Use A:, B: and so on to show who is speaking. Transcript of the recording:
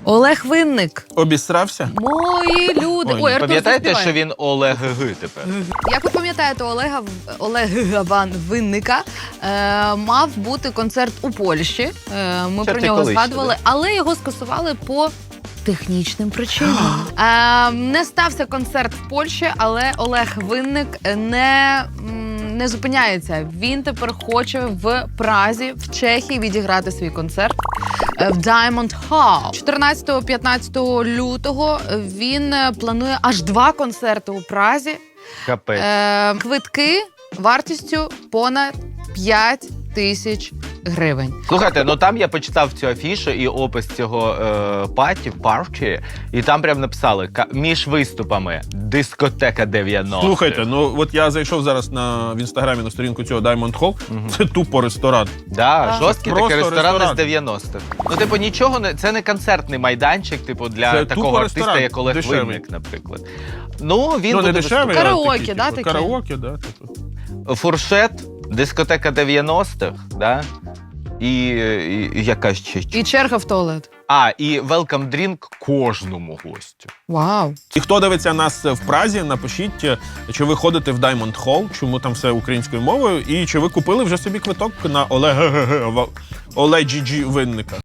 A: Олег Винник.
B: Обісрався?
A: Мої люди.
B: Ой,
A: Ой, Артур,
C: Пам'ятаєте,
A: заспівай.
C: що він Олег Г тепер?
A: Як ви пам'ятаєте, Олега Ван Винника мав бути концерт у Польщі. Ми
C: Це
A: про
C: ти
A: нього
C: колись,
A: згадували,
C: да?
A: але його скасували по технічним причинам. Не стався концерт в Польщі, але Олег Винник не зупиняється. Він тепер хоче в Празі, в Чехії відіграти свій концерт в Diamond Hall. 14-15 лютого він планує аж 2 концерти у Празі.
C: Капець.
A: Квитки вартістю понад 5 тисяч гривень.
C: Слухайте, ну там я почитав цю афішу і опис цього парті, і там прям написали між виступами дискотека 90.
B: Слухайте, ну от я зайшов зараз в інстаграмі на сторінку цього Diamond Hall. Це тупо ресторан.
C: Да, жорсткий
B: Просто
C: такий ресторан
B: ресторан.
C: з 90-х. Ну, типу, нічого не, це не концертний майданчик, типу, для
B: Це
C: такого
B: тупо
C: артиста,
B: ресторан,
C: як Олег
B: дешевий.
C: Винник, наприклад. Ну, він
B: Ну,
C: буде
B: не дешевий,
C: виступати.
B: а
A: Караоке,
B: такий,
A: да,
B: типу,
A: таке?
B: Караоке, да, типу.
C: Фуршет, дискотека 90-х, да? І яка ще?
A: І черга в туалет.
C: І welcome drink кожному гостю.
A: Вау.
B: І хто дивиться нас в Празі, напишіть, чи ви ходите в Diamond Hall, чому там все українською мовою, і чи ви купили вже собі квиток на Олега Винника.